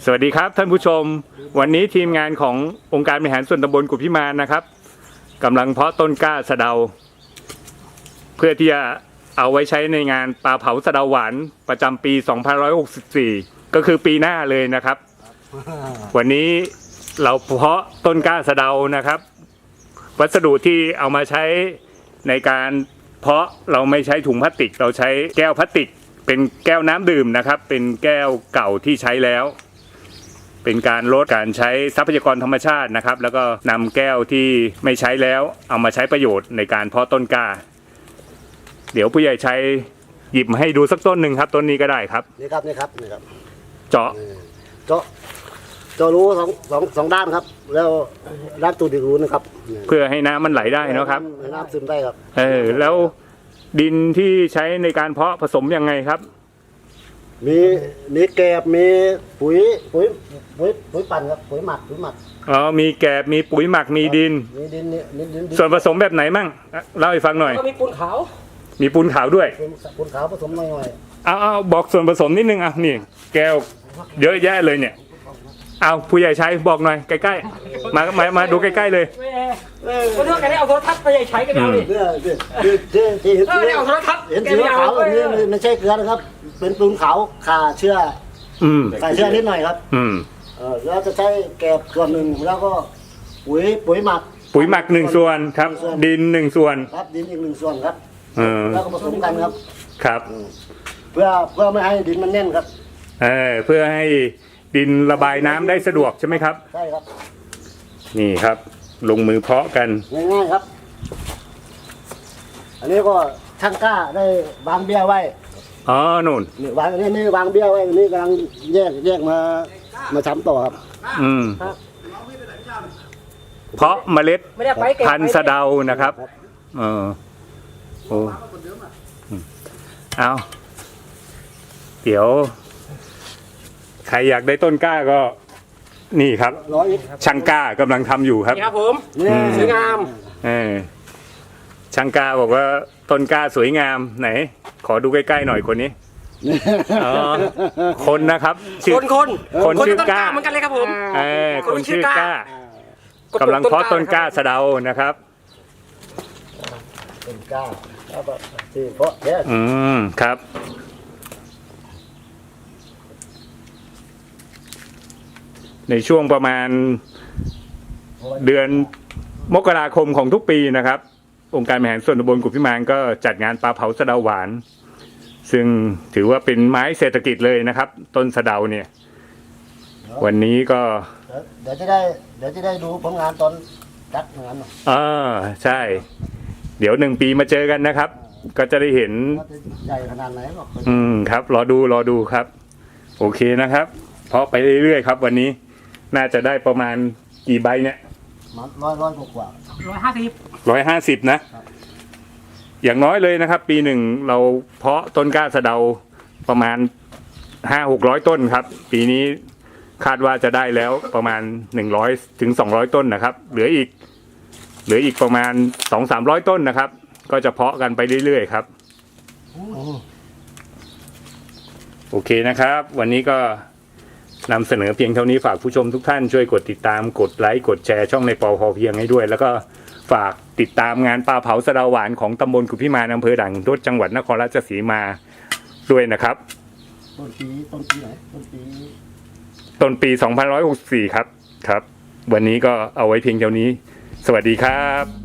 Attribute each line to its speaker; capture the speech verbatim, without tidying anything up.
Speaker 1: สวัสดีครับท่านผู้ชมวันนี้ทีมงานขององค์การบริหารส่วนตำบลกุฎพิมานนะครับกำลังเพาะต้นกล้าสะเดาเพื่อที่จะเอาไว้ใช้ในงานปลาเผาสะเดาหวานประจำปีสองพันห้าร้อยหกสิบสี่ก็คือปีหน้าเลยนะครับวันนี้เราเพาะต้นกล้าสะเดานะครับวัสดุที่เอามาใช้ในการเพาะเราไม่ใช้ถุงพลาสติกเราใช้แก้วพลาสติกเป็นแก้วน้ำดื่มนะครับเป็นแก้วเก่าที่ใช้แล้วเป็นการลดการใช้ทรัพยากรธรรมชาตินะครับแล้วก็นำแก้วที่ไม่ใช้แล้วเอามาใช้ประโยชน์ในการเพาะต้นกล้าเดี๋ยวผู้ใหญ่ใช้หยิบมาให้ดูสักต้นหนึ่งครับต้นนี้ก็ได้ครับ
Speaker 2: นี่ครับนี่ครับนี่ครับ
Speaker 1: เจาะ
Speaker 2: เจาะเจาะรูสองสองสองด้านครับแล้วด้านตูดอีกรูนะครับ
Speaker 1: เพื่อให้น้ำมันไหลได้นะครับ
Speaker 2: น้ำซึมได้ครับ
Speaker 1: เออแล้วดินที่ใช้ในการเพาะผสมยังไงครับ
Speaker 2: มีมีแกบมีปุ๋ยปุ๋ยปุ๋ยปุ๋ยปั่นครับปุ๋ยหมักปุ๋ยหมัก
Speaker 1: อ๋อมีแกบมีปุ๋ยหมักมีดิน
Speaker 2: มีดินนี่ดิน
Speaker 1: ส่วนผสมแบบไหนมั่งเล่าให้ฟังหน่อย
Speaker 3: ก็มีปูนขาว
Speaker 1: มีปูนขาวด้วย
Speaker 2: ปูนขาวผสมหน่อย
Speaker 1: ๆเอาเอาบอกส่วนผสมนิดนึงอ่ะนี่แก้วเยอะแยะเลยเนี่ยเอาผู้ใหญ่ใช้บอกหน่อยใกล้ๆมามามาดูใกล้ๆเลย
Speaker 3: ก็เรื่องการได้เอาโทรทัศน์ไปใช้กันเอาดิ
Speaker 2: เรื่องที่ที่ที่
Speaker 3: เออได้เอาโทรทัศน์
Speaker 2: เห็นสีขาวแบบนี้ไม่ใช่เกลือนะครับเป็นปูนขาวขาเชื่อใส่เชื่อนิดหน่อยครับ
Speaker 1: อืม
Speaker 2: เออแล้วจะใช้แกบส่วนหนึ่งแล้วก็ปุ๋ยปุ๋ยหมัก
Speaker 1: ปุ๋ยหมักหนึ่งส่วนครับดินหนึ่งส่วน
Speaker 2: ครับดินอีกหนึ่งส่วนครับ
Speaker 1: แล้
Speaker 2: วก็ผสมกันครับ
Speaker 1: ครับ
Speaker 2: เพื่อเพื่อไม่ให้ดินมันแน่นครับ
Speaker 1: เออเพื่อให้ดินระบายน้ำได้สะดวกใช่ไหมครับ
Speaker 2: ใช่ครับ
Speaker 1: นี่ครับลงมือเพาะกัน
Speaker 2: ง่ายๆครับอันนี้ก็ช่างกล้าได้วางเบี้ยไว้
Speaker 1: อ๋อนู่น
Speaker 2: นี่วางนี่นี่วางเบี้ยไว้นี่กำลังแยกแยกมามาช้ำต่อครับ
Speaker 1: อืมเพาะเมล็ดพันธุ์สะเดานะครับเออโอ้เอาเดี๋ยวใครอยากได้ต้นกล้าก็นี่ครับช่างกล้ากำลังทำอยู่ครับ
Speaker 3: นี่ครับผมสวยงาม
Speaker 1: เออช่างกล้าบอกว่าต้นกล้าสวยงามไหนขอดูใกล้ๆหน่อยคนนี้อ๋อคนนะครับ
Speaker 3: คนคน
Speaker 1: คนชื่อกล้า
Speaker 3: เหมือนกันเลยครับผม
Speaker 1: เออคนชื่อกล้ากำลังเพาะต้นกล้าสะเดานะครับ
Speaker 2: ต้นกล้าแล้วก็ที่เพาะเนี่ย
Speaker 1: อืมครับในช่วงประมาณเดือนมกราคมของทุกปีนะครับองค์การบริหารส่วนตำบลกุฎพิมานก็จัดงานปลาเผาสะเดาหวานซึ่งถือว่าเป็นไม้เศรษฐกิจเลยนะครับต้นสะเดาเนี่ยวันนี้ก็
Speaker 2: เดี๋ยวจะได้เดี๋ยวจะได้ดูผลงานตอนจัดงาน
Speaker 1: อ่าใช่เดี๋ยวหนึ่งปีมาเจอกันนะครับก็จะได้เห็น
Speaker 2: ใหญ่ขนาดไหนหรอก
Speaker 1: อืมครับรอดูรอดูครับโอเคนะครับเพาะไปเรื่อยๆครับวันนี้น่าจะได้ประมาณกี่ใบเนี่ย
Speaker 2: ร้อยร้อยกว่า
Speaker 3: ร้อยห้าสิบ
Speaker 1: ร้อยห้าสิบนะอย่างน้อยเลยนะครับปีหนึ่งเราเพาะต้นกล้าสะเดาประมาณห้าหกร้อยต้นครับปีนี้คาดว่าจะได้แล้วประมาณหนึ่งร้อยถึงสองร้อยต้นนะครับเหลืออีกเหลืออีกประมาณสองสามร้อยต้นนะครับก็จะเพาะกันไปเรื่อยๆครับโอเคนะครับวันนี้ก็นำเสนอเพียงเท่านี้ฝากผู้ชมทุกท่านช่วยกดติดตามกดไลค์กดแชร์ช่องในปอพอเพียงให้ด้วยแล้วก็ฝากติดตามงานปลาเผาสะเดาหวานของตำบลกุฎพิมานอำเภอด่านขุนทดจังหวัดนครราชสีมาด้วยนะครับ
Speaker 2: ต้นปีต้นปีไหนต้นปี
Speaker 1: ต้นปีสองพันห้าร้อยหกสิบสี่ครับครับวันนี้ก็เอาไว้เพียงเท่านี้สวัสดีครับ